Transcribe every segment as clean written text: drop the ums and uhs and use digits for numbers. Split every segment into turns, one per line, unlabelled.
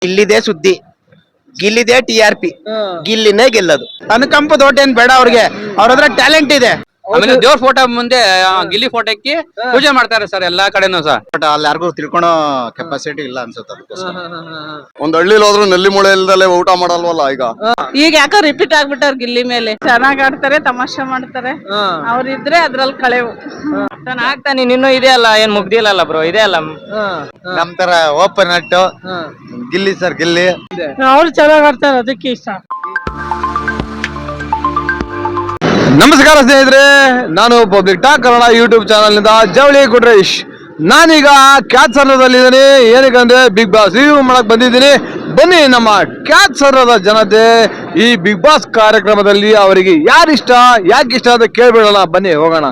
ಇಲ್ಲಿದೆ ಸುದ್ದಿ, ಗಿಲ್ಲಿದೆ TRP, ಗಿಲ್ಲಿನೇ ಗೆಲ್ಲದು. ಅನುಕಂಪ ದೊಡ್ಡ ಏನ್ ಬೇಡ ಅವ್ರಿಗೆ, ಅವ್ರ ಹತ್ರ ಟ್ಯಾಲೆಂಟ್ ಇದೆ.
ಆಮೇಲೆ ದೇವ್ರ ಫೋಟೋ ಮುಂದೆ ಗಿಲ್ಲಿ ಫೋಟೋಕ್ಕೆ ಪೂಜೆ ಮಾಡ್ತಾರೆ ಸರ್ ಎಲ್ಲಾ ಕಡೆನೂ ಸರ್.
ಬಟ್ ಅಲ್ಲಿ ಯಾರಿಗೂ ತಿಳ್ಕೊಳೋ ಕೆಪಾಸಿಟಿ ಇಲ್ಲ ಅನ್ಸುತ್ತೆ. ಒಂದ್ ಹಳ್ಳಿಲಿ ಹೋದ್ರು ನಲ್ಲಿ ಮೂಳೆ ಇಲ್ದಲೆ ಊಟ ಮಾಡಲ್ವಲ್ಲ ಈಗ
ಯಾಕೋ ರಿಪೀಟ್ ಆಗ್ಬಿಟ್ಟಾರ ಗಿಲ್ಲಿ ಮೇಲೆ. ಚೆನ್ನಾಗ್ ಆಡ್ತಾರೆ, ತಮಾಷೆ ಮಾಡ್ತಾರೆ, ಅವ್ರಿದ್ರೆ ಅದ್ರಲ್ಲಿ ಕಳೆವು.
ಆಗ್ತಾನೆ ಇನ್ನೂ ಇದೆ ಅಲ್ಲ, ಏನ್ ಮುಗ್ದಿಲ್ಲ ಬ್ರೋ, ಇದೆ ಅಲ್ಲ.
ನಮ್ ತರ ಓಪನ್ ಅಟ್ಟು ಗಿಲ್ಲಿ ಸರ್, ಗಿಲ್ಲಿ
ಅವ್ರು ಚೆನ್ನಾಗ್ ಆಡ್ತಾರೆ, ಅದಕ್ಕೆ ಇಷ್ಟ.
ನಮಸ್ಕಾರ ಸ್ನೇಹಿತರೆ, ನಾನು public talk Kannada YouTube channel ನಿಂದ ಜವಳಿ ಕುಟ್ರೇಶ್. ನಾನೀಗ ಕ್ಯಾಚ್ ಸರ್ರದಲ್ಲಿದ್ದೀನಿ. ಏನಕ್ಕಂದ್ರೆ ಬಿಗ್ ಬಾಸ್ ರಿವ್ಯೂ ಮಾಡಕ್ ಬಂದಿದ್ದೀನಿ. ಬನ್ನಿ ನಮ್ಮ ಕ್ಯಾಚ್ ಸರ್ರದ ಜನತೆ ಈ ಬಿಗ್ ಬಾಸ್ ಕಾರ್ಯಕ್ರಮದಲ್ಲಿ ಅವರಿಗೆ ಯಾರಿಷ್ಟ, ಯಾಕೆ ಇಷ್ಟ ಅಂತ ಕೇಳ್ಬಿಡೋಣ. ಬನ್ನಿ ಹೋಗೋಣ.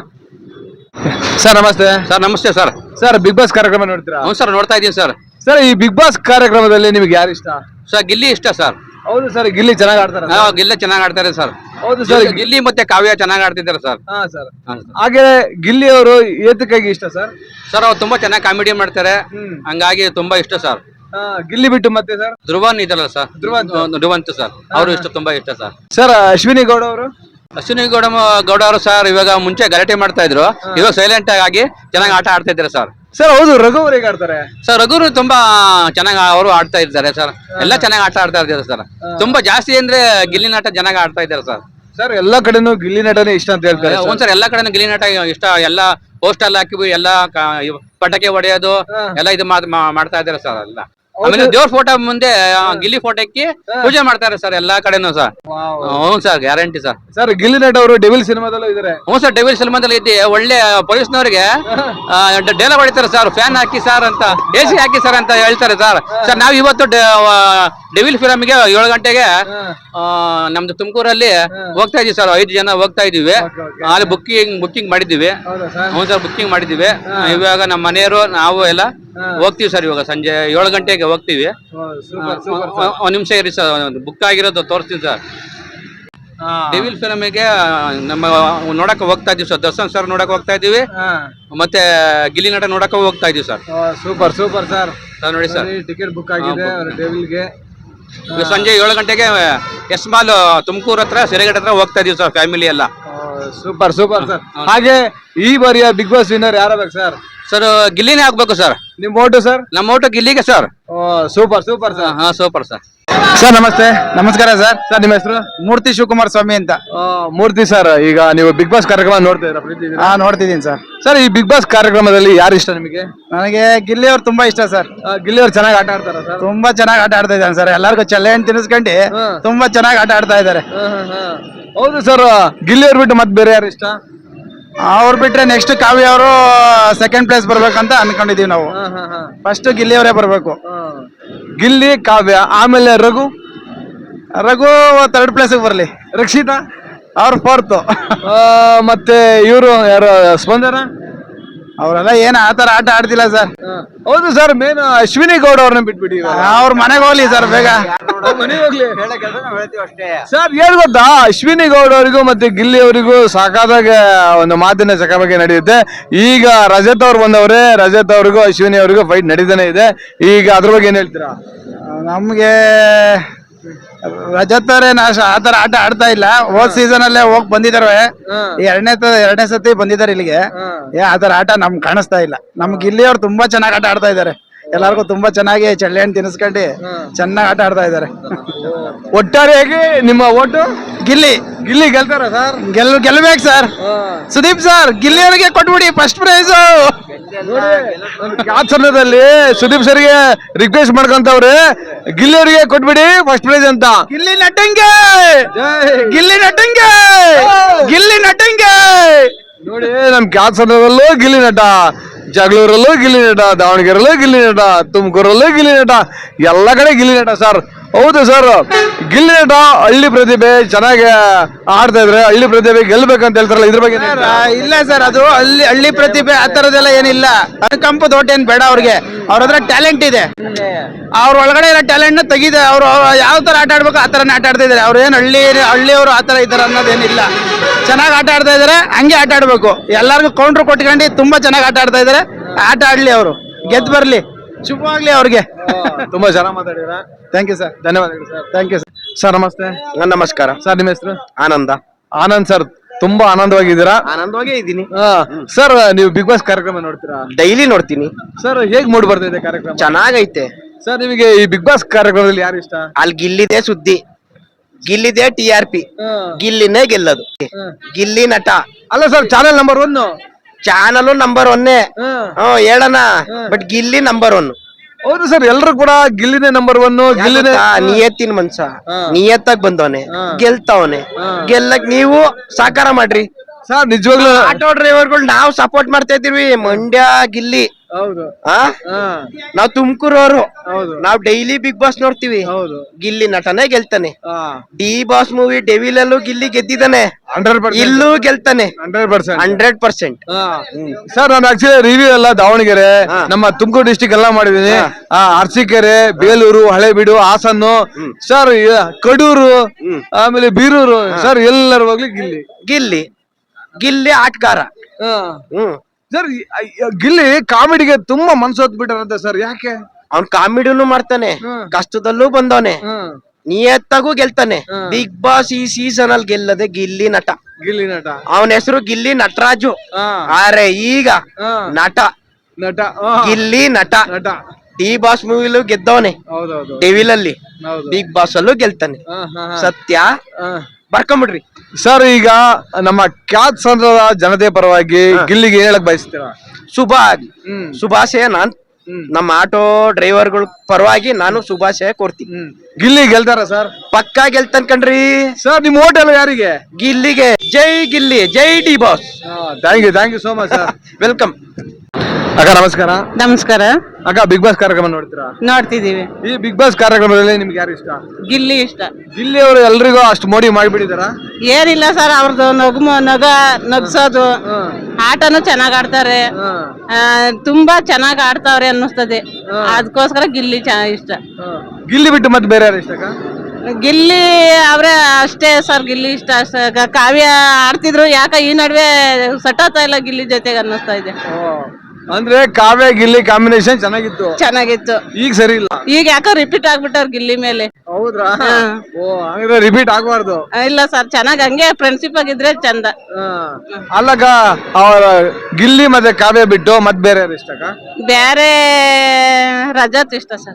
ಸರ್ ನಮಸ್ತೆ.
ಸರ್ ನಮಸ್ತೆ ಸರ್.
ಸರ್ ಬಿಗ್ ಬಾಸ್ ಕಾರ್ಯಕ್ರಮ ನೋಡ್ತೀರಾ?
ಹ್ಞೂ ಸರ್, ನೋಡ್ತಾ ಇದೀನಿ ಸರ್.
ಸರ್ ಈ ಬಿಗ್ ಬಾಸ್ ಕಾರ್ಯಕ್ರಮದಲ್ಲಿ ನಿಮ್ಗೆ ಯಾರು ಇಷ್ಟ?
ಸರ್ ಗಿಲ್ಲಿ ಇಷ್ಟ ಸರ್.
ಹೌದು ಸರ್, ಗಿಲ್ಲಿ ಚೆನ್ನಾಗಿ ಆಡ್ತಾರೆ.
ಗಿಲ್ಲಿ ಚೆನ್ನಾಗಿ ಆಡ್ತಾರೆ ಸರ್.
ಹೌದು ಸರ್,
ಗಿಲ್ಲಿ ಮತ್ತೆ ಕಾವ್ಯ ಚೆನ್ನಾಗಿ ಆಡ್ತಿದ್ದಾರೆ ಸರ್.
ಹಾ ಸರ್. ಹಾಗೆ ಗಿಲ್ಲಿ ಅವರು ಏತಕ್ಕಾಗಿ ಇಷ್ಟ ಸರ್?
ಸರ್ ಅವ್ರು ತುಂಬಾ ಚೆನ್ನಾಗಿ ಕಾಮಿಡಿ ಮಾಡ್ತಾರೆ, ಹಂಗಾಗಿ ತುಂಬಾ ಇಷ್ಟ ಸರ್.
ಗಿಲ್ಲಿ ಬಿಟ್ಟು ಮತ್ತೆ ಸರ್
ಧ್ರುವನ್ ಇದಲ್ಲ ಸರ್, ಧ್ರುವಂತ್ ಸರ್, ಅವರು ಇಷ್ಟ, ತುಂಬಾ ಇಷ್ಟ ಸರ್.
ಸರ್ ಅಶ್ವಿನಿ ಗೌಡ ಅವರು?
ಅಶ್ವಿನಿ ಗೌಡ ಅವರು ಸರ್ ಇವಾಗ ಮುಂಚೆ ಗಲಾಟೆ ಮಾಡ್ತಾ ಇದ್ರು, ಇವಾಗ ಸೈಲೆಂಟ್ ಆಗಿ ಚೆನ್ನಾಗಿ ಆಟ ಆಡ್ತಾ ಇದ್ದಾರೆ ಸರ್.
ಸರ್ ಹೌದು, ರಘು ಅವ್ರು ಹೇಗೆ ಆಡ್ತಾರೆ?
ಸರ್ ರಘುರು ತುಂಬಾ ಚೆನ್ನಾಗಿ ಅವರು ಆಡ್ತಾ ಇದ್ದಾರೆ ಸರ್. ಎಲ್ಲ ಚೆನ್ನಾಗಿ ಆಟ ಆಡ್ತಾ ಇದ್ದಾರೆ ಸರ್. ತುಂಬಾ ಜಾಸ್ತಿ ಅಂದ್ರೆ ಗಿಲ್ಲಿ ನಾಟ ಚೆನ್ನಾಗಿ ಆಡ್ತಾ ಇದ್ದಾರೆ ಸರ್.
ಸರ್ ಎಲ್ಲಾ ಕಡೆನೂ ಗಿಲ್ಲಿ ನಟನೆ ಇಷ್ಟ ಅಂತ ಹೇಳ್ತಾರೆ.
ಒಂದ್ ಸರ್ ಎಲ್ಲಾ ಕಡೆ ಗಿಲ್ಲಿ ನಾಟ ಇಷ್ಟ. ಎಲ್ಲ ಪೋಸ್ಟರ್ ಹಾಕಿ ಎಲ್ಲ ಪಟಾಕಿ ಹೊಡೆಯೋದು ಎಲ್ಲ ಇದು ಮಾಡ್ತಾ ಇದ್ದಾರೆ ಸರ್ ಎಲ್ಲ. ಆಮೇಲೆ ದೇವ್ರ ಫೋಟೋ ಮುಂದೆ ಗಿಲ್ಲಿ ಫೋಟೋಕ್ಕೆ ಪೂಜೆ ಮಾಡ್ತಾರೆ ಸರ್ ಎಲ್ಲಾ ಕಡೆನೂ ಸರ್. ಹ್ಞೂ sir, guarantee sir.
Sir Gilli Nata ಅವರು ಡೆವಿಲ್ ಸಿನಿಮಾದಲ್ಲೂ ಇದಾರೆ.
ಹ್ಞೂ ಸರ್, ಡೆವಿಲ್ ಸಿನಿಮಾದಲ್ಲಿ ಇದ್ದಿ ಒಳ್ಳೆ ಪೊಲೀಸ್ನವ್ರಿಗೆ ಡೈಲಾಗ್ ಹೊಡಿತಾರೆ ಸರ್, ಫ್ಯಾನ್ ಹಾಕಿ ಸರ್ ಅಂತ, AC ಹಾಕಿ ಸರ್ ಅಂತ ಹೇಳ್ತಾರೆ ಸರ್. ಸರ್ ನಾವ್ ಇವತ್ತು ಡೆವಿಲ್ ಫಿಲಮ್ಗೆ 7 ಗಂಟೆಗೆ ನಮ್ದು ತುಮಕೂರಲ್ಲಿ ಹೋಗ್ತಾ ಇದೀವಿ ಸರ್. 5 ಜನ ಹೋಗ್ತಾ ಇದೀವಿ. ಅಲ್ಲಿ ಬುಕ್ಕಿಂಗ್ ಮಾಡಿದ್ದೀವಿ. ಹ್ಞೂ ಸರ್, ಬುಕ್ಕಿಂಗ್ ಮಾಡಿದ್ದೀವಿ. ಇವಾಗ ನಮ್ಮ ಮನೆಯವರು ನಾವು ಎಲ್ಲ ಹೋಗ್ತೀವಿ ಸರ್. ಇವಾಗ ಸಂಜೆ 7 ಗಂಟೆಗೆ ಹೋಗ್ತೀವಿ. ಒಂದ್ ನಿಮಿಷ ಇರಿ ಸರ್, ಬುಕ್ ಆಗಿರೋದು ತೋರಿಸ್ತೀನಿ ಸರ್. ಡೆವಿಲ್ ಫಿಲಮಿಗೆ ನಮ್ಮ ನೋಡಕ್ ಹೋಗ್ತಾ ಇದೀವಿ ಸರ್. ದರ್ಶನ್ ಸರ್ ನೋಡಕ್ ಹೋಗ್ತಾ ಇದೀವಿ, ಮತ್ತೆ ಗಿಲ್ಲಿ ನಟ ನೋಡಕ್ ಹೋಗ್ತಾ ಇದೀವಿ ಸರ್.
Super super sir.
ನೋಡಿ ಸರ್,
ಟಿಕೆಟ್ ಬುಕ್ ಆಗಿದೆ ಡೆವಿಲ್ಗೆ.
ಸಂಜೆ 7 ಗಂಟೆಗೆ ಎಸ್ ಮಾಲ್ ತುಮಕೂರು ಹತ್ರ ಸಿರಿಗೇಟ್ ಹತ್ರ ಹೋಗ್ತಾ ಇದೀವಿ ಸರ್, ಫ್ಯಾಮಿಲಿ ಎಲ್ಲ.
Super super sir. ಹಾಗೆ ಈ ಬಾರಿಯ ಬಿಗ್ ಬಾಸ್ ವಿನ್ನರ್ ಯಾರಾಗಬೇಕು ಸರ್?
ಸರ್ ಗಿಲ್ಲಿನೇ ಆಗ್ಬೇಕು ಸರ್.
ನಿಮ್ ಓಟು ಸರ್?
ನಮ್ಮ ಓಟು ಗಿಲ್ಲಿಗೆ ಸರ್.
Super super sir.
ಹಾ ಸೂಪರ್ ಸರ್.
ಸರ್ ನಮಸ್ತೆ.
ನಮಸ್ಕಾರ ಸರ್.
ಸರ್ ನಿಮ್ಮ ಹೆಸರು?
ಮೂರ್ತಿ ಶಿವಕುಮಾರ್ ಸ್ವಾಮಿ ಅಂತ.
ಮೂರ್ತಿ ಸರ್, ಈಗ ನೀವು ಬಿಗ್ ಬಾಸ್ ಕಾರ್ಯಕ್ರಮ ನೋಡ್ತಿದ್ದೀರಾ?
ನೋಡ್ತಿದ್ದೀನಿ ಸರ್.
ಸರ್ ಈ ಬಿಗ್ ಬಾಸ್ ಕಾರ್ಯಕ್ರಮದಲ್ಲಿ ಯಾರು ಇಷ್ಟ ನಿಮಗೆ?
ನನಗೆ ಗಿಲ್ಲಿ ಅವ್ರು ತುಂಬಾ ಇಷ್ಟ ಸರ್.
ಗಿಲ್ಲಿ ಅವ್ರು ಚೆನ್ನಾಗಿ ಆಟ ಆಡ್ತಾರ ಸರ್?
ತುಂಬಾ ಚೆನ್ನಾಗಿ ಆಟ ಆಡ್ತಾ ಇದ್ದಾನೆ ಸರ್. ಎಲ್ಲರಿಗೂ ಚಲ್ಲೆಹಣ್ಣು ತಿನ್ನಿಸ್ಕೊಂಡು ತುಂಬಾ ಚೆನ್ನಾಗಿ ಆಟ ಆಡ್ತಾ ಇದ್ದಾರೆ.
ಹೌದು ಸರ್. ಗಿಲ್ಲಿ ಅವ್ರು ಬಿಟ್ಟು ಮತ್ತೆ ಬೇರೆ ಯಾರು ಇಷ್ಟ?
ಅವ್ರು ಬಿಟ್ರೆ ನೆಕ್ಸ್ಟ್ ಕಾವ್ಯ ಅವರು ಸೆಕೆಂಡ್ ಪ್ಲೇಸ್ ಬರ್ಬೇಕಂತ ಅನ್ಕೊಂಡಿದೀವಿ ನಾವು. ಫಸ್ಟ್ ಗಿಲ್ಲಿ ಅವರೇ ಬರ್ಬೇಕು.
ಗಿಲ್ಲಿ, ಕಾವ್ಯ, ಆಮೇಲೆ ರಘು
3rd ಪ್ಲೇಸ್ ಬರ್ಲಿ.
ರಕ್ಷಿತಾ
ಅವ್ರು 4th.
ಮತ್ತೆ ಇವರು ಯಾರು, ಸ್ಪಂದನ,
ಅವರೆಲ್ಲ ಏನ್ ಆತರ ಆಟ ಆಡ್ತಿಲ್ಲ ಸರ್.
ಹೌದು ಸರ್. ಮೇನ್ ಅಶ್ವಿನಿ ಗೌಡ ಅವ್ರನ್ನ ಬಿಟ್ಬಿಡಿ.
ಅವ್ರ ಮನೆಗೆ ಹೋಗ್ಲಿ ಸರ್ ಬೇಗ.
ಸರ್ ಏನ್ ಗೊತ್ತಾ, ಅಶ್ವಿನಿ ಗೌಡ ಅವರಿಗೂ ಮತ್ತೆ ಗಿಲ್ಲಿ ಅವರಿಗೂ ಸಾಕಾದಾಗ ಒಂದು ಮಾತಿನ ಚಕಮಕಿ ನಡೆಯುತ್ತೆ. ಈಗ ರಜತ್ ಅವ್ರು ಬಂದವ್ರೆ, ರಜತ್ ಅವ್ರಿಗೂ ಅಶ್ವಿನಿ ಅವರಿಗೂ ಫೈಟ್ ನಡೀತಾನೆ ಇದೆ. ಈಗ ಅದ್ರ ಬಗ್ಗೆ ಏನ್ ಹೇಳ್ತೀರಾ?
ನಮ್ಗೆ ರಜತ್ ಅವರೇ ಆತರ ಆಟ ಆಡ್ತಾ ಇಲ್ಲ. ಹೋದ್ ಸೀಸನ್ ಅಲ್ಲೇ ಹೋಗ್ ಬಂದಿದಾರೆ, ಎರಡನೇ ಸತಿ ಬಂದಿದ್ದಾರೆ ಇಲ್ಲಿಗೆ. ಆತರ ಆಟ ನಮ್ಗೆ ಕಾಣಿಸ್ತಾ ಇಲ್ಲ. ನಮ್ಗೆ ಗಿಲ್ಲಿ ಅವ್ರು ತುಂಬಾ ಚೆನ್ನಾಗಿ ಆಟ ಆಡ್ತಾ ಇದಾರೆ. ಎಲ್ಲಾರ್ಗು ತುಂಬಾ ಚೆನ್ನಾಗಿ ಚಳ್ಳೆಹಣ್ಣು ತಿನ್ನಿಸ್ಕೊಂಡು ಚೆನ್ನಾಗಿ ಆಟ ಆಡ್ತಾ ಇದಾರೆ.
ಒಟ್ಟಾರೆಯಾಗಿ ನಿಮ್ಮ ಓಟು
ಗಿಲ್ಲಿ.
ಗಿಲ್ಲಿ ಗೆಲ್ತಾರ ಸರ್?
ಗೆಲ್ಬೇಕು ಸರ್. ಸುದೀಪ್ ಸರ್, ಗಿಲ್ಲಿ ಅವ್ರಿಗೆ ಕೊಟ್ಬಿಡಿ ಫಸ್ಟ್ ಪ್ರೈಸ್.
ಸಮಯದಲ್ಲಿ ಸುದೀಪ್ ಸರ್ಗೆ ರಿಕ್ವೆಸ್ಟ್ ಮಾಡ್ಕೊಂತವ್ರೆ, ಗಿಲ್ಲಿ ಅವರಿಗೆ ಕೊಟ್ಬಿಡಿ ಫಸ್ಟ್ ಪ್ರೈಸ್ ಅಂತ.
ಗಿಲ್ಲಿ ನಟಂಗೆ, ಗಿಲ್ಲಿ ನಟಂಗೆ, ಗಿಲ್ಲಿ ನಟಂಗೆ.
ನೋಡಿ, ನಮ್ ಕ್ಯಾತ್ಸರದಲ್ಲೂ ಗಿಲ್ಲಿ ನಟ, ಜಗಳೂರಲ್ಲೂ ಗಿಲ್ಲಿ ನಟ, ದಾವಣಗೆರೆಲ್ಲೂ ಗಿಲ್ಲಿ ನಟ, ತುಮಕೂರಲ್ಲೂ ಗಿಲ್ಲಿ ನಟ, ಎಲ್ಲ ಕಡೆ ಗಿಲ್ಲಿ ನಟ ಸರ್. ಹೌದು ಸರ್, ಗಿಲ್ಲಿ ನಟ ಹಳ್ಳಿ ಪ್ರತಿಭೆ ಚೆನ್ನಾಗಿ ಆಡ್ತಾ ಇದ್ರೆ ಹಳ್ಳಿ ಪ್ರತಿಭೆ ಗೆಲ್ಬೇಕಂತ ಹೇಳ್ತಾರಲ್ಲ, ಇದ್ರ ಬಗ್ಗೆ?
ಇಲ್ಲ ಸರ್, ಅದು ಹಳ್ಳಿ ಪ್ರತಿಭೆ ಆ ತರದೆಲ್ಲ ಏನಿಲ್ಲ. ಅನುಕಂಪ ದೊಡ್ಡ ಏನ್ ಬೇಡ ಅವ್ರಿಗೆ, ಅವ್ರ ಹತ್ರ ಟ್ಯಾಲೆಂಟ್ ಇದೆ. ಅವ್ರ ಒಳಗಡೆ ಇರೋ ಟ್ಯಾಲೆಂಟ್ ನ ತೆಗಿದೆ. ಅವ್ರು ಯಾವ ತರ ಆಟ ಆಡ್ಬೇಕು ಆ ತರನೇ ಆಟ ಆಡ್ತಾ ಇದಾರೆ. ಅವ್ರು ಏನ್ ಹಳ್ಳಿಯವರು ಆ ತರ ಈ ತರ ಅನ್ನೋದೇನಿಲ್ಲ. ಚೆನ್ನಾಗಿ ಆಟ ಆಡ್ತಾ ಇದಾರೆ, ಹಂಗೆ ಆಟ ಆಡ್ಬೇಕು. ಎಲ್ಲಾರ್ಗು ಕೌಂಟರ್ ಕೊಟ್ಕೊಂಡು ತುಂಬಾ ಚೆನ್ನಾಗಿ ಆಟ ಆಡ್ತಾ ಇದಾರೆ. ಆಟ ಆಡ್ಲಿ, ಅವರು ಗೆದ್ದು ಬರ್ಲಿ. ಶುಭವಾಗ್ಲಿ ಅವ್ರಿಗೆ.
ತುಂಬಾ ಚೆನ್ನಾಗಿ ಮಾತಾಡಿದ್ರ.
Thank you sir.
ಧನ್ಯವಾದಗಳು ಸರ್.
ಥ್ಯಾಂಕ್ ಯು
ಸರ್ ನಮಸ್ತೆ.
ನಮಸ್ಕಾರ
ಸರ್ ನಿಮ್ಮ ಹೆಸರು?
ಆನಂದ.
ಆನಂದ್ ಸರ್, ತುಂಬಾ ಆನಂದವಾಗಿದ್ದೀರಾ?
ಆನಂದವಾಗೇ ಇದ್ದೀನಿ.
ಸರ್ ನೀವು ಬಿಗ್ ಬಾಸ್ ಕಾರ್ಯಕ್ರಮ ನೋಡ್ತೀರಾ?
ಡೈಲಿ ನೋಡ್ತೀನಿ.
ಸರ್ ಹೇಗ್ ಮೂಡ್ ಬರ್ತಿದೆ ಕಾರ್ಯಕ್ರಮ?
ಚೆನ್ನಾಗೈತೆ
ಸರ್ ನಿಮಗೆ ಈ ಬಿಗ್ ಬಾಸ್ ಕಾರ್ಯಕ್ರಮದಲ್ಲಿ ಯಾರು ಇಷ್ಟ?
ಅಲ್ಲಿ ಗಿಲ್ಲಿದೆ ಸುದ್ದಿ, ಗಿಲ್ಲಿದೆ TRP, ಗಿಲ್ಲಿನೇ ಗೆಲ್ಲದು. ಗಿಲ್ಲಿ ನಟ
ಅಲ್ಲ sir, channel number 1.
Channel number 1. ಹೇಳಣ, ಬಟ್ ಗಿಲ್ಲಿ ನಂಬರ್ 1.
ಹೌದು ಸರ್, ಎಲ್ರು ಕೂಡ ಗಿಲ್ಲಿನೇ ನಂಬರ್ 1. ಗಿಲ್ಲಿನೇ
ನಿಯತ್ತಿನ ಮನ್ಸ, ನಿಯತ್ತಾಗ್ ಬಂದವನೆ, ಗೆಲ್ತಾವನೆ. ಗೆಲ್ಲಕ್ ನೀವು ಸಾಕಾರ ಮಾಡ್ರಿ
ಸರ್. ನಿಜವಾಗ್ಲೂ
ಆಟೋ ಡ್ರೈವರ್ಗಳು ನಾವು ಸಪೋರ್ಟ್ ಮಾಡ್ತಾ ಇದೀವಿ. ಮಂಡ್ಯ ಗಿಲ್ಲಿ,
ಹೌದು.
ನಾವ್ ತುಮಕೂರವ್ರು,
ಹೌದು.
ನಾವ್ ಡೈಲಿ ಬಿಗ್ ಬಾಸ್ ನೋಡ್ತೀವಿ.
ಹೌದು.
ಗಿಲ್ಲಿ ನಟನೆ ಗೆಲ್ತಾನೆ. ಡಿ ಬಾಸ್ ಮೂವಿ ಡೆವಿಲ್ ಅಲ್ಲೂ ಗಿಲ್ಲಿ ಗೆದ್ದಿದ್ದಾನೆ,
100%.
ಇಲ್ಲೂ ಗೆಲ್ತಾನೆ
100%.
100%.
ಸರ್ ನಾನು ಆಕ್ಚುಲಿ ರಿವ್ಯೂ ಎಲ್ಲ ದಾವಣಗೆರೆ, ನಮ್ಮ ತುಮಕೂರು ಡಿಸ್ಟಿಕ್ ಎಲ್ಲ ಮಾಡಿದೀನಿ. ಅರಸೀಕೆರೆ, ಬೇಲೂರು, ಹಳೇಬೀಡು, ಹಾಸನ್ನು ಸರ್, ಕಡೂರು, ಆಮೇಲೆ ಬೀರೂರು ಸರ್, ಎಲ್ಲರೂ ಹೋಗ್ಲಿ ಗಿಲ್ಲಿ.
ಗಿಲ್ಲಿ ಗಿಲ್ಲಿ ಆಟಗಾರ.
ಸರ್ ಗಿಲ್ಲಿ ಕಾಮಿಡಿಗೆ ತುಂಬಾ ಮನ್ಸು ಹೊತ್ಬಿಟ್ಟಾರಂತೆ ಸರ್, ಯಾಕೆ?
ಅವ್ನ್ ಕಾಮಿಡಿನೂ ಮಾಡ್ತಾನೆ, ಕಷ್ಟದಲ್ಲೂ ಬಂದವನೆ, ನಿಯತ್ತಾಗೂ ಗೆಲ್ತಾನೆ. ಬಿಗ್ ಬಾಸ್ ಈ ಸೀಸನ್ ಅಲ್ಲಿ ಗೆಲ್ಲದೆ ಗಿಲ್ಲಿ ನಟ.
ಗಿಲ್ಲಿ ನಟ.
ಅವನ ಹೆಸರು ಗಿಲ್ಲಿ ನಟರಾಜು. ಆರೆ ಈಗ ನಟ.
ನಟ.
ಗಿಲ್ಲಿ ನಟ.
ನಟ.
ಡಿ ಬಾಸ್ ಮೂವಿಲೂ ಗೆದ್ದವನೆ,
ಹೌದೌದು.
ಡೆವಿಲ್ ಅಲ್ಲಿ. ಬಿಗ್ ಬಾಸ್ ಅಲ್ಲೂ ಗೆಲ್ತಾನೆ. ಸತ್ಯ, ಬರ್ಕೊಂಬಿಡ್ರಿ
ಸರ್. ಈಗ ನಮ್ಮ ಖ್ಯಾತ್ ಸಂದ್ರದ ಜನತೆ ಪರವಾಗಿ ಗಿಲ್ಲಿಗೆ ಹೇಳಕ್ ಬಯಸ್ತೀರಾ?
ಶುಭ ಆಗ್ಲಿ, ಶುಭಾಶಯ. ನಾನ್ ನಮ್ಮ ಆಟೋ ಡ್ರೈವರ್ಗಳ ಪರವಾಗಿ ನಾನು ಶುಭಾಶಯ ಕೊಡ್ತೀನಿ.
ಗಿಲ್ಲಿ ಗೆಲ್ತಾರ ಸರ್?
ಪಕ್ಕಾ ಗೆಲ್ತಾನ್ ಕಣ್ರಿ
ಸರ್. ನಿಮ್ ಓಟ್ ಎಲ್ಲ ಯಾರಿಗೆ?
ಗಿಲ್ಲಿಗೆ. ಜೈ ಗಿಲ್ಲಿ, ಜೈ D boss.
Thank you so much sir.
Welcome.
ಅಕ್ಕ ನಮಸ್ಕಾರ.
ನಮಸ್ಕಾರ.
ಅಕ್ಕ ಬಿಗ್ ಬಾಸ್ ಕಾರ್ಯಕ್ರಮ ನೋಡ್ತೀರಾ?
ನೋಡ್ತಿದೀವಿ.
ಈ ಬಿಗ್ ಬಾಸ್ ಕಾರ್ಯಕ್ರಮದಲ್ಲಿ ನಿಮ್ಗೆ ಯಾರು ಇಷ್ಟ?
ಗಿಲ್ಲಿ ಇಷ್ಟ.
ಗಿಲ್ಲಿ ಅವರು ಎಲ್ರಿಗೂ ಅಷ್ಟು ಮೋಡಿ ಮಾಡಿಬಿಟ್ಟಿದಾರ?
ಏನಿಲ್ಲ ಸರ್, ಅವ್ರದ್ದು ನಗ್ಸೋದು, ಆಟನು ಚೆನ್ನಾಗ್ ಆಡ್ತಾರೆ, ತುಂಬಾ ಚೆನ್ನಾಗ್ ಆಡ್ತಾವ್ರೆ ಅನ್ನಿಸ್ತದೆ. ಅದಕ್ಕೋಸ್ಕರ ಗಿಲ್ಲಿ ಇಷ್ಟ.
ಗಿಲ್ಲಿ ಬಿಟ್ಟು ಮತ್ತೆ ಬೇರೆ ಯಾರು ಇಷ್ಟ ಅಕ್ಕ?
ಗಿಲ್ಲಿ ಅವ್ರೆ ಅಷ್ಟೇ ಸರ್, ಗಿಲ್ಲಿ ಇಷ್ಟ ಅಷ್ಟೇ. ಕಾವ್ಯ ಆಡ್ತಿದ್ರು, ಯಾಕ ಈ ನಡುವೆ ಸಟಾತಾ ಇಲ್ಲ ಗಿಲ್ಲಿ ಜೊತೆಗೆ ಅನ್ನಿಸ್ತಾ ಇದೆ.
ಅಂದ್ರೆ ಕಾವ್ಯ ಗಿಲ್ಲಿ ಕಾಂಬಿನೇಷನ್ ಚೆನ್ನಾಗಿತ್ತು, ಈಗ ಸರಿ ಇಲ್ಲ.
ಈಗ ಯಾಕೋ ರಿಪೀಟ್ ಆಗ್ಬಿಟ್ಟವ್ರ ಗಿಲ್ಲಿ ಮೇಲೆ.
ಹೌದ್ರಾ? ಹಂಗಾದ್ರೆ ರಿಪೀಟ್ ಆಗಬಾರ್ದು.
ಇಲ್ಲ ಸರ್, ಚೆನ್ನಾಗ್ ಹಂಗೆ ಫ್ರೆಂಡ್ಶಿಪ್ ಆಗಿದ್ರೆ ಚಂದ.
ಅಲ್ಲಕ್ಕ, ಅವರ ಗಿಲ್ಲಿ ಮತ್ತೆ ಕಾವ್ಯ ಬಿಟ್ಟು ಮತ್ತೆ ಬೇರೆ ಯಾರು ಇಷ್ಟ ಅಕ್ಕ?
ಬೇರೆ ರಜತ್ ಇಷ್ಟ ಸರ್.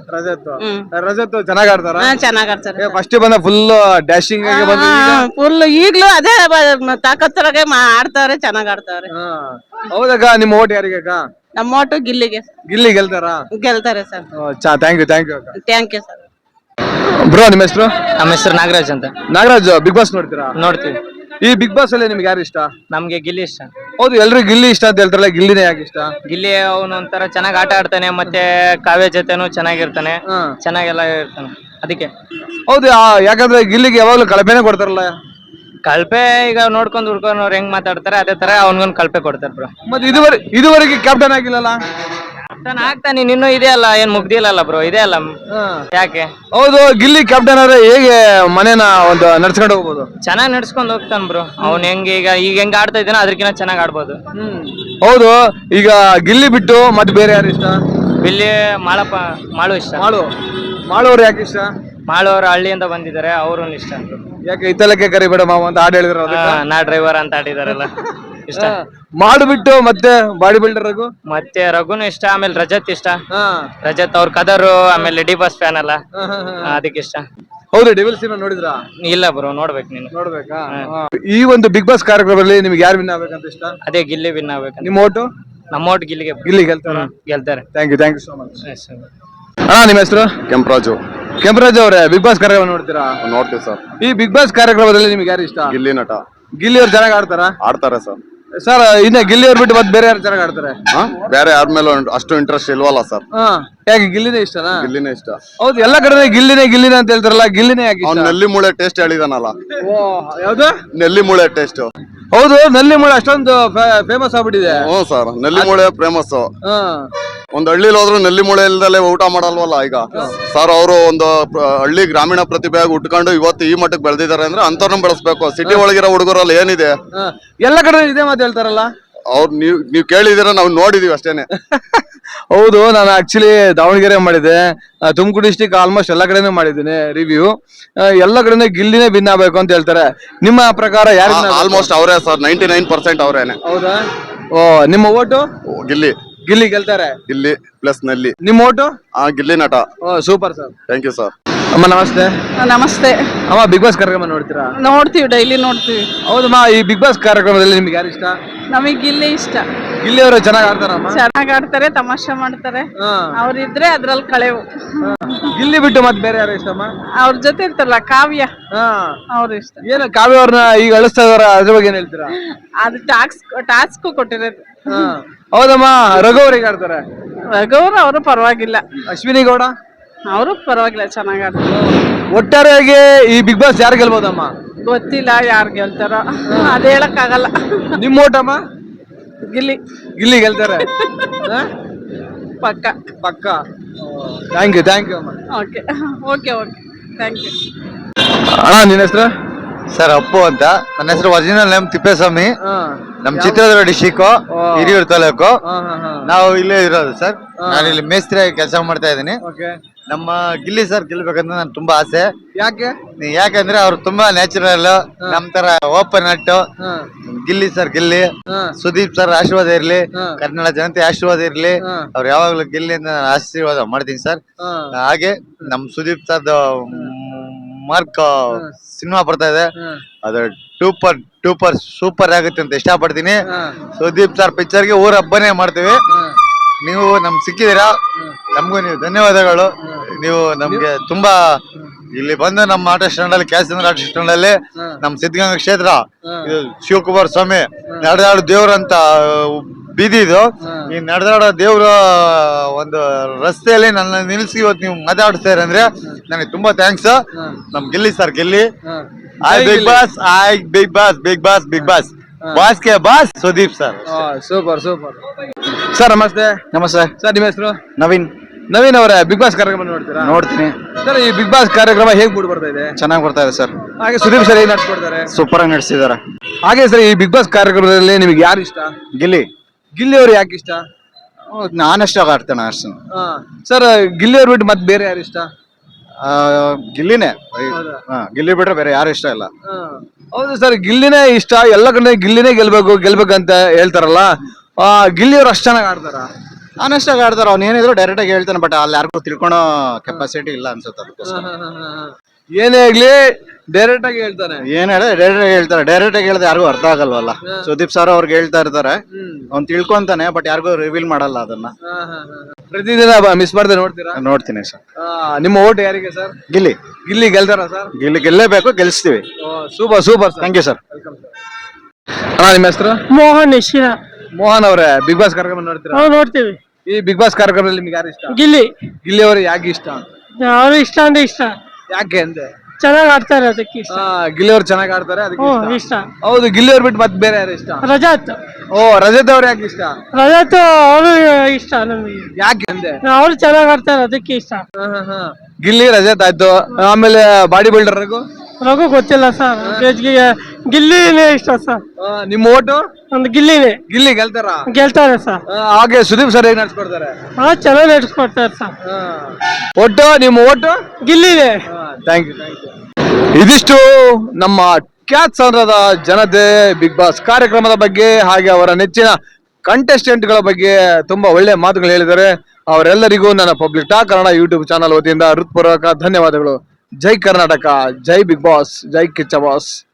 ರಜತ್ ಚೆನ್ನಾಗ್ ಆಡ್ತಾರ?
ಚೆನ್ನಾಗ್ ಆಡ್ತಾರೆ.
ಫಸ್ಟ್ ಬಂದ ಫುಲ್ ಡ್ಯಾಶಿಂಗ್ ಆಗಿ ಬಂದ,
ಫುಲ್ ಈಗ್ಲೂ ಅದೇ ತಾಕತ್ತರಾಗೆ ಆಡ್ತಾವ್ರೆ, ಚೆನ್ನಾಗ್ ಆಡ್ತಾವ್ರೆ.
ಹೌದಕ್ಕ. ನಿಮ್ಮ ಓಟ್ ಯಾರಿಗೆ ಅಕ್ಕ?
ನಮ್ಮ ಓಟು ಗಿಲ್ಲಿಗೆ.
ಗಿಲ್ಲಿ ಗೆಲ್ತಾರ?
ಗೆಲ್ತಾರೆ ಸರ್.
ಥ್ಯಾಂಕ್ ಯು ಅಕ್ಕ.
Thank you sir.
ಬ್ರೋ ನಿಮ್ಮ ಹೆಸರು?
ನಮ್ಮ ಹೆಸರು ನಾಗರಾಜ್ ಅಂತ.
ನಾಗರಾಜ್, ಬಿಗ್ ಬಾಸ್ ನೋಡ್ತೀರಾ?
ನೋಡ್ತೀವಿ.
ಈ ಬಿಗ್ ಬಾಸ್ ಅಲ್ಲಿ ನಿಮ್ಗೆ ಯಾರು ಇಷ್ಟ?
ನಮ್ಗೆ ಗಿಲ್ಲಿ ಇಷ್ಟ.
ಹೌದು, ಎಲ್ರು ಗಿಲ್ಲಿ ಇಷ್ಟ ಅಂತ ಹೇಳ್ತಾರಲ್ಲ, ಗಿಲ್ಲಿನೇ ಯಾಕೆ ಇಷ್ಟ?
ಗಿಲ್ಲಿ ಅವನು ಒಂಥರ ಚೆನ್ನಾಗಿ ಆಟ ಆಡ್ತಾನೆ, ಮತ್ತೆ ಕಾವ್ಯ ಜೊತೆನು ಚೆನ್ನಾಗಿರ್ತಾನೆ, ಚೆನ್ನಾಗೆಲ್ಲ ಇರ್ತಾನೆ, ಅದಕ್ಕೆ.
ಹೌದು, ಯಾಕಂದ್ರೆ ಗಿಲ್ಲಿಗೆ ಯಾವಾಗ್ಲೂ ಕಳಪೆನೆ ಕೊಡ್ತಾರಲ್ಲ.
ಕಲ್ಪೆ ಈಗ ನೋಡ್ಕೊಂಡು ಹುಡ್ಕೊಂಡು ಅವ್ರು ಹೆಂಗ್ ಮಾತಾಡ್ತಾರೆ ಅದೇ ತರ ಅವನ್ಗೊಂದು ಕಲ್ಪೆ ಕೊಡ್ತಾರೆ ಬ್ರೋ.
ಮತ್ತೆ ಇದುವರೆಗೆ ಕ್ಯಾಪ್ಟನ್ ಆಗಿಲ್ಲಲ್ಲ?
ಕ್ಯಾಪ್ಟನ್ ಆಗ್ತಾನೆ, ಇನ್ನೂ ಇದೆ ಅಲ್ಲ, ಏನ್ ಮುಗ್ದಿಲ್ಲಲ್ಲ ಬ್ರೋ, ಇದೆ ಅಲ್ಲ, ಯಾಕೆ?
ಹೌದು, ಗಿಲ್ಲಿ ಕ್ಯಾಪ್ಟನ್ ಆದ್ರೆ ಹೇಗೆ ಮನೇನ ಒಂದು ನಡ್ಸ್ಕೊಂಡು ಹೋಗ್ಬೋದು?
ಚೆನ್ನಾಗಿ ನಡ್ಸ್ಕೊಂಡ್ ಹೋಗ್ತಾನ ಬ್ರೋ. ಅವ್ನ್ ಹೆಂಗ್ ಈಗ ಹೆಂಗ್ ಆಡ್ತಾ ಇದ್ದಾನ ಅದಕ್ಕಿಂತ ಚೆನ್ನಾಗ್ ಆಡ್ಬೋದು.
ಹೌದು, ಈಗ ಗಿಲ್ಲಿ ಬಿಟ್ಟು ಮತ್ತೆ ಬೇರೆ ಯಾರು ಇಷ್ಟ?
ಇಲ್ಲಿ ಮಾಳು ಇಷ್ಟ.
ಮಾಡೋರು ಯಾಕೆ ಇಷ್ಟ?
ಮಾಳವ್ರು ಹಳ್ಳಿಯಿಂದ ಬಂದಿದ್ದಾರೆ, ಅವ್ರು ಇಷ್ಟ.
ಯಾಕೆ ಇತ್ತಲಕ್ಕೆ ಕರಿಬೇಡ ಮಾವ ಅಂತ ಹಾಡು ಹೇಳಿದ್ರು?
ನಾ ಡ್ರೈವರ್ ಅಂತ ಆಡಿದಾರಲ್ಲ, ಇಷ್ಟ.
ಮಾಡ್ಬಿಟ್ಟು ಮತ್ತೆ ಬಾಡಿ ಬಿಲ್ಡರ್ ರಘು,
ಮತ್ತೆ ರಘುನು ಇಷ್ಟ, ಆಮೇಲೆ ರಜತ್ ಇಷ್ಟ. ರಜತ್ ಅವ್ರ ಕದರು, ಆಮೇಲೆ ಡಿ ಬಾಸ್ ಫ್ಯಾನ್ ಅಲ್ಲ, ಅದಕ್ಕೆ ಇಷ್ಟ.
ಹೌದು, ಡೆವಿಲ್ ಸಿನಿಮಾ ನೋಡಿದ್ರಾ?
ಇಲ್ಲ ಬ್ರೋ, ನೋಡ್ಬೇಕು. ನೀನು
ನೋಡ್ಬೇಕಾ? ಈ ಒಂದು ಬಿಗ್ ಬಾಸ್ ಕಾರ್ಯಕ್ರಮದಲ್ಲಿ ನಿಮ್ಗೆ ಯಾರು ವಿನ್ ಆಗ್ಬೇಕಂತ ಇಷ್ಟ?
ಅದೇ ಗಿಲ್ಲಿ ವಿನ್ ಆಗ್ಬೇಕು.
ನಿಮ್ಮ ಓಟು?
ನಮ್ಮ ಓಟ್ ಗಿಲ್ಲಿಗೆ.
ಗಿಲ್ಲಿ ಗೆಲ್ತಾರೆ?
ಗೆಲ್ತಾರೆ.
Thank you so much. ನಿಮ್ಮ ಹೆಸರು?
ಕೆಂಪರಾಜು.
ಕೆಂಪರಾಜ್ ಅವರೇ, ಬಿಗ್ ಬಾಸ್ ಕಾರ್ಯಕ್ರಮ ನೋಡ್ತೀರಾ?
ನೋಡ್ತೀವಿ ಸರ್.
ಈ ಬಿಗ್ ಬಾಸ್ ಕಾರ್ಯಕ್ರಮದಲ್ಲಿ ನಿಮ್ಗೆ ಯಾರು ಇಷ್ಟ?
ಗಿಲ್ಲಿ ನಟ.
ಗಿಲ್ಲಿ ಅವ್ರು ಚೆನ್ನಾಗಿ ಆಡ್ತಾರಾ?
ಆಡ್ತಾರೆ ಸರ್.
ಸರ್ ಇನ್ನ ಗಿಲ್ಲಿ ಅವ್ರು ಬಿಟ್ಟು ಮತ್ತೆ ಬೇರೆ ಯಾರು ಚೆನ್ನಾಗಿ ಆಡ್ತಾರೆ?
ಬೇರೆ ಯಾರ ಮೇಲೆ ಅಷ್ಟು ಇಂಟ್ರೆಸ್ಟ್ ಇಲ್ವಲ್ಲ ಸರ್.
ಯಾಕೆ ಗಿಲ್ಲಿನೇ ಇಷ್ಟನಾ?
ಗಿಲ್ಲಿನೇ ಇಷ್ಟ.
ಹೌದು, ಎಲ್ಲ ಕಡೆ ಗಿಲ್ಲಿನೇ ಅಂತ ಹೇಳ್ತಾರಲ್ಲ, ಗಿಲ್ಲಿನೇ ಯಾಕೆ?
ಅವ್ನು ನೆಲ್ಲಿ ಮೂಳೆ ಟೇಸ್ಟ್ ಹೇಳಿದಾನಲ್ಲ.
ಯಾವ್ದು?
ನೆಲ್ಲಿ ಮೂಳೆ ಟೇಸ್ಟ್.
ಹೌದು, ನಲ್ಲಿ ಮೂಳೆ ಅಷ್ಟೊಂದು ಫೇಮಸ್ ಆಗ್ಬಿಟ್ಟಿದೆ.
ಹ್ಞೂ ಸರ್, ನೆಲ್ಲಿ ಮೂಳೆ ಫೇಮಸ್. ಒಂದ್ ಹಳ್ಳಿಲಿ ಹೋದ್ರು ನೆಲ್ಲಿ ಮೂಳೆ ಇಲ್ದಲೆ ಊಟ ಮಾಡಲ್ವಲ್ಲ ಈಗ ಸರ್. ಅವರು ಒಂದು ಹಳ್ಳಿ ಗ್ರಾಮೀಣ ಪ್ರತಿಭೆಯಾಗಿ ಉಟ್ಕೊಂಡು ಇವತ್ತು ಈ ಮಟ್ಟಕ್ಕೆ ಬೆಳೆದಿದ್ದಾರೆ ಅಂದ್ರೆ ಅಂತವ್ರನ್ನ ಬೆಳೆಸ್ಬೇಕು. ಸಿಟಿ ಒಳಗಿರೋ ಹುಡುಗರಲ್ಲಿ ಏನಿದೆ?
ಎಲ್ಲ ಕಡೆ ಇದೇ ಮಾತು ಹೇಳ್ತಾರಲ್ಲ.
ಅವ್ರು ನೀವ್ ಕೇಳಿದಿರ, ನಾವು ನೋಡಿದೀವಿ ಅಷ್ಟೇನೆ.
ಹೌದು, ನಾನು ಆಕ್ಚುಲಿ ದಾವಣಗೆರೆ ಮಾಡಿದ್ದೆ, ತುಮಕೂರು ಡಿಸ್ಟಿಕ್ ಆಲ್ಮೋಸ್ಟ್ ಎಲ್ಲ ಕಡೆನೂ ಮಾಡಿದ್ದೀನಿ ರಿವ್ಯೂ. ಎಲ್ಲ ಕಡೆನೂ ಗಿಲ್ಲಿನೇ ವಿನ್ ಆಗ್ಬೇಕು ಅಂತ ಹೇಳ್ತಾರೆ. ನಿಮ್ಮ ಪ್ರಕಾರ ಯಾರು
ಆಲ್ಮೋಸ್ಟ್ ಅವರೇ ಸರ್, 99% ಅವರೇನೆ.
ಹೌದಾ? ಓ, ನಿಮ್ಮ ಓಟು
ಗಿಲ್ಲಿ
ಗಿಲ್ಲಿ ಗೆಲ್ತಾರೆ.
ಗಿಲ್ಲಿ ಪ್ಲಸ್ ನಲ್ಲಿ.
ನಿಮ್ಮ ಓಟು?
ಗಿಲ್ಲಿ ನಟ.
ಓ, super sir.
Thank you sir.
ಅಮ್ಮ ನಮಸ್ತೆ.
ನಮಸ್ತೆ.
ಅಮ್ಮ, ಬಿಗ್ ಬಾಸ್ ಕಾರ್ಯಕ್ರಮ ನೋಡ್ತೀರಾ?
ನೋಡ್ತೀವಿ, ಡೈಲಿ ನೋಡ್ತೀವಿ.
ಹೌದಮ್ಮ, ಈ ಬಿಗ್ ಬಾಸ್ ಕಾರ್ಯಕ್ರಮದಲ್ಲಿ ನಿಮ್ಗೆ ಯಾರು ಇಷ್ಟ?
ನಮಗೆ ಗಿಲ್ಲಿ ಇಷ್ಟ.
ಗಿಲ್ಲಿ ಅವರು ಚೆನ್ನಾಗಿ ಆಡ್ತಾರಮ್ಮ?
ಚೆನ್ನಾಗ್ ಆಡ್ತಾರೆ, ತಮಾಷೆ ಮಾಡ್ತಾರೆ. ಅವ್ರಿದ್ರೆ ಅದ್ರಲ್ಲಿ ಕಳೆವು.
ಗಿಲ್ಲಿ ಬಿಟ್ಟು ಮತ್ತೆ ಬೇರೆ ಯಾರು ಇಷ್ಟಮ್ಮ?
ಅವ್ರ ಜೊತೆ ಇರ್ತಾರಲ್ಲ ಕಾವ್ಯ, ಅವ್ರು ಇಷ್ಟ.
ಏನು ಕಾವ್ಯ ಅವ್ರನ್ನ ಈಗ ಅಳಿಸ್ತಾ ಇದಾರ, ಅದ್ರ ಬಗ್ಗೆ ಏನ್ ಹೇಳ್ತೀರಾ?
ಅದು ಟಾಸ್ಕ್ ಕೊಟ್ಟಿರೋದು.
ಹೌದಮ್ಮ, ರಘು ಅವ್ರಿಗೆ ಆಡ್ತಾರೆ.
ರಘುವ್ರು ಅವರು ಪರವಾಗಿಲ್ಲ.
ಅಶ್ವಿನಿ ಗೌಡ
ಅವರು ಪರವಾಗಿಲ್ಲ, ಚೆನ್ನಾಗ್ ಆಡ್ತಾರೆ.
ಒಟ್ಟಾರೆಯಾಗಿ ಈ ಬಿಗ್ ಬಾಸ್ ಯಾರು ಗೆಲ್ಬೋದಮ್ಮ?
ಗೊತ್ತಿಲ್ಲ ಯಾರು ಗೆಲ್ತಾರೋ, ಅದ್ ಹೇಳಕ್ ಆಗಲ್ಲ.
ನಿಮ್ಮ ಓಟಮ್ಮ?
ಗಿಲ್ಲಿ.
ಗಿಲ್ಲಿ ಗೆಲ್ತಾರೆ.
ಪಕ್ಕ.
ಪಕ್ಕ. ಥ್ಯಾಂಕ್ ಯು ಅಮ್ಮ.
Okay okay okay, thank you.
ಅಣ್ಣ, ನಿನ್ನ ಹೆಸರು?
ಸರ್ ಅಪ್ಪು ಅಂತ. ನನ್ನ ಹೆಸರು ಒರಿಜಿನಲ್ ನೇಮ್ ತಿಪ್ಪೇಸ್ವಾಮಿ. ನಮ್ ಚಿತ್ರದುರ್ಗ ಡಿಸ್ಟಿಕ್, ಹಿರಿಯೂರು ತಾಲೂಕು. ನಾವು ಇಲ್ಲೇ ಇರೋದು ಸರ್. ನಾನು ಇಲ್ಲಿ ಮೇಸ್ತ್ರಿ ಕೆಲಸ ಮಾಡ್ತಾ ಇದ್ದೀನಿ. ನಮ್ಮ ಗಿಲ್ಲಿ ಸರ್ ಗೆಲ್ಬೇಕಂತ ನನ್ ತುಂಬಾ ಆಸೆ.
ಯಾಕೆ?
ಯಾಕಂದ್ರೆ ಅವ್ರು ತುಂಬಾ ನ್ಯಾಚುರಲ್, ನಮ್ ತರ ಓಪನ್ ಅಟ್. ಗಿಲ್ಲಿ ಸರ್ ಗಿಲ್ಲಿ. ಸುದೀಪ್ ಸರ್ ಆಶೀರ್ವಾದ ಇರ್ಲಿ, ಕನ್ನಡ ಜನತೆ ಆಶೀರ್ವಾದ ಇರ್ಲಿ. ಅವ್ರು ಯಾವಾಗ್ಲೂ ಗಿಲ್ಲಿ ಅಂತ ನಾನು ಆಶೀರ್ವಾದ ಮಾಡ್ತೀನಿ ಸರ್. ಹಾಗೆ ನಮ್ ಸುದೀಪ್ ಸರ್ ಮಾರ್ಕ್ ಸಿನಿಮಾ ಬರ್ತಾ ಇದೆ, ಅದು ಸೂಪರ್ ಆಗುತ್ತೆ ಅಂತ ಇಷ್ಟಪಡ್ತೀನಿ. ಸುದೀಪ್ ಸರ್ ಪಿಕ್ಚರ್ಗೆ ಊರ ಹಬ್ಬನೇ ಮಾಡ್ತೀವಿ. ನೀವು ನಮ್ಗೆ ಸಿಕ್ಕಿದೀರಾ, ನಮಗೂ ನೀವು ಧನ್ಯವಾದಗಳು. ನೀವು ನಮ್ಗೆ ತುಂಬಾ ಇಲ್ಲಿ ಬಂದು ನಮ್ಮ ಆಟೋ ಸ್ಟ್ಯಾಂಡ್ ಅಲ್ಲಿ, ಕ್ಯಾಸಂದ್ರ ಆಟೋ ಸ್ಟ್ಯಾಂಡ್ ಅಲ್ಲಿ, ನಮ್ ಸಿದ್ಧಗಂಗಾ ಕ್ಷೇತ್ರ, ಇದು ಶಿವಕುಮಾರ್ ಸ್ವಾಮಿ ನಡೆದಾಡೋ ದೇವ್ರಂತ ಬೀದಿ ಇದು. ಈ ನಡೆದಾಡೋ ದೇವ್ರ ಒಂದು ರಸ್ತೆಯಲ್ಲಿ ನನ್ನ ನಿಲ್ಸಿ ಇವತ್ತು ನೀವು ಮಾತಾಡ್ತೀರ ಅಂದ್ರೆ ನನಗೆ ತುಂಬಾ ಥ್ಯಾಂಕ್ಸ್. ನಮ್ Gilli sir Gilli. Bigg Boss, Bigg Boss boss ಕೆ boss Sudeep sir.
Super sir. ನಮಸ್ತೆ.
ನಮಸ್ತೆ
ಸರ್, ನಿಮ್ಮ ಹೆಸರು?
ನವೀನ್
ಅವರೇ, ಬಿಗ್ ಬಾಸ್ ಕಾರ್ಯಕ್ರಮ ನೋಡ್ತೀರಾ?
ನೋಡ್ತೀನಿ
ಸರ್. ಈ ಬಿಗ್ ಬಾಸ್ ಕಾರ್ಯಕ್ರಮ ಹೇಗ್ ಮೂಡ್ ಬರ್ತಾ ಇದೆ?
ಚೆನ್ನಾಗಿ ಬರ್ತಾ ಇದೆ ಸರ್.
ಹಾಗೆ ಸುದೀಪ್ ಸರ್ ಹೇಗ್ ನಡ್ಸ್ಕೊಡ್ತಾರೆ?
ಸೂಪರ್ ಆಗಿ ನಡೆಸಿದಾರೆ.
ಹಾಗೆ ಸರ್, ಈ ಬಿಗ್ ಬಾಸ್ ಕಾರ್ಯಕ್ರಮದಲ್ಲಿ ನಿಮ್ಗೆ ಯಾರು ಇಷ್ಟ? ಗಿಲ್ಲಿ ಅವ್ರು ಯಾಕೆ ಇಷ್ಟ?
ನಾನಷ್ಟ ಆಡ್ತೇನೆ ಅಷ್ಟು.
ಸರ್, ಗಿಲ್ಲಿ ಅವ್ರು ಬಿಟ್ಟು ಮತ್ತೆ ಬೇರೆ ಯಾರು ಇಷ್ಟ?
ಗಿಲ್ಲಿನೇ. ಗಿಲ್ಲಿ ಬಿಟ್ರೆ ಬೇರೆ ಯಾರು ಇಷ್ಟ ಇಲ್ಲ.
ಹೌದು ಸರ್, ಗಿಲ್ಲಿನೇ ಇಷ್ಟ. ಎಲ್ಲ ಕಡೆ ಗಿಲ್ಲಿನೇ ಗೆಲ್ಬೇಕಂತ ಹೇಳ್ತಾರಲ್ಲ, ಗಿಲ್ಲಿ ಅವ್ರು ಅಷ್ಟು ಚೆನ್ನಾಗಿ ಆಡ್ತಾರ?
ನಾನಷ್ಟಾಗ ಆಡ್ತಾರ. ಅವ್ನು ಏನಿದ್ರು ಡೈರೆಕ್ಟ್ ಆಗಿ ಹೇಳ್ತಾನೆ, ಬಟ್ ಅಲ್ಲಿ ಯಾರಿಗೂ ತಿಳ್ಕೊಳೋ ಕೆಪಾಸಿಟಿ ಇಲ್ಲ ಅನ್ಸುತ್ತೆ. ಅದಕ್ಕೋಸ್ಕರ
ಏನೇ ಆಗ್ಲಿ ಡೈರೆಕ್ಟ್ ಆಗಿ ಹೇಳ್ತಾನೆ.
ಏನ್ ಹೇಳ ಡೈರೆಕ್ಟ್ ಆಗಿ ಹೇಳ್ತಾರೆ. ಡೈರೆಕ್ಟ್ ಆಗಿ ಹೇಳಿದ್ರೆ ಯಾರಿಗೂ ಅರ್ಥ ಆಗಲ್ವಲ್ಲ. ಸುದೀಪ್ ಸರ್ ಅವ್ರಿಗೆ ಹೇಳ್ತಾ ಇರ್ತಾರೆ, ಅವ್ನು ತಿಳ್ಕೊಂತಾನೆ, ಬಟ್ ಯಾರಿಗೂ ರಿವೀಲ್ ಮಾಡಲ್ಲ ಅದನ್ನ.
ಪ್ರತಿದಿನ ಮಿಸ್ ಮಾಡದೆ ನೋಡ್ತೀರಾ?
ನೋಡ್ತೀನಿ ಸರ್.
ನಿಮ್ಮ ಓಟ್ ಯಾರಿಗೆ ಸರ್?
ಗಿಲ್ಲಿ
ಗೆಲ್ತಾರ sir?
Gilli ಗೆಲ್ಲೇಬೇಕು, ಗೆಲ್ಸ್ತೀವಿ.
Super.
Thank you sir.
ಅಣ್ಣ, ನಿಮ್ಮ ಹೆಸರು? ಮೋಹನ್ ಅವರೇ, ಬಿಗ್ ಬಾಸ್ ಕಾರ್ಯಕ್ರಮ ನೋಡ್ತೀರಾ?
ನೋಡ್ತೀವಿ.
ಈ ಬಿಗ್ ಬಾಸ್ ಕಾರ್ಯಕ್ರಮದಲ್ಲಿ ನಿಮ್ಗೆ ಯಾರು ಇಷ್ಟ? ಗಿಲ್ಲಿ ಅವರು ಯಾಕೆ ಇಷ್ಟ?
ಅವರು ಇಷ್ಟ ಅಂದ್ರೆ ಇಷ್ಟ.
ಯಾಕೆ ಅಂದ್ರೆ
ಚೆನ್ನಾಗ್ ಆಡ್ತಾರೆ, ಅದಕ್ಕೆ ಇಷ್ಟ.
ಗಿಲ್ಲಿ ಅವ್ರು ಚೆನ್ನಾಗಿ ಆಡ್ತಾರೆ, ಅದಕ್ಕೆ
ಇಷ್ಟ.
ಹೌದು, ಗಿಲ್ಲಿ ಅವ್ರು ಬಿಟ್ಟು ಮತ್ತೆ ಬೇರೆ ಯಾರು ಇಷ್ಟ?
ರಜತ್.
ರಜತ್ ಅವ್ರು ಯಾಕೆ ಇಷ್ಟ?
ರಜತ್ ಅವರು ಇಷ್ಟ ನಮಗೆ.
ಯಾಕೆ ಅಂದ್ರೆ
ಅವ್ರು ಚೆನ್ನಾಗ್ ಆಡ್ತಾರೆ, ಅದಕ್ಕೆ ಇಷ್ಟ.
ಗಿಲ್ಲಿ, ರಜತ್ ಆಯ್ತು. ಆಮೇಲೆ ಬಾಡಿ ಬಿಲ್ಡರ್
ರಘು ಗೊತ್ತಿಲ್ಲ ಸರ್. ಗಿಲ್ಲಿನೇ ಇಷ್ಟ ಸರ್.
ನಿಮ್ಮ ಓಟು?
ಒಂದು ಗಿಲ್ಲಿನೇ.
ಗಿಲ್ಲಿ
ಗೆಲ್ತಾರೆ ಸರ್.
ಹಾಗೆ ಸುದೀಪ್ ಸರ್ ಹೇಗ್ ನಡ್ಸ್ಕೊಡ್ತಾರೆ?
ಚೆನ್ನಾಗಿ ನಡೆಸ್ಕೊಡ್ತಾರೆ ಸರ್.
ಒಟ್ಟು ನಿಮ್ಮ ಓಟು?
ಗಿಲ್ಲಿನೇ.
Thank you. ಇದಿಷ್ಟು ನಮ್ಮ ಕ್ಯಾತ್ ಸಾಂದ್ರದ ಜನತೆ ಬಿಗ್ ಬಾಸ್ ಕಾರ್ಯಕ್ರಮದ ಬಗ್ಗೆ, ಹಾಗೆ ಅವರ ನೆಚ್ಚಿನ ಕಂಟೆಸ್ಟೆಂಟ್ ಗಳ ಬಗ್ಗೆ ತುಂಬಾ ಒಳ್ಳೆ ಮಾತುಗಳು ಹೇಳಿದ್ದಾರೆ. ಅವರೆಲ್ಲರಿಗೂ ನನ್ನ public talk Kannada YouTube channel ವತಿಯಿಂದ ಹೃತ್ಪೂರ್ವಕ ಧನ್ಯವಾದಗಳು. ಜೈ ಕರ್ನಾಟಕ, ಜೈ ಬಿಗ್ ಬಾಸ್, ಜೈ ಕಿಚ್ಚ ಬಾಸ್.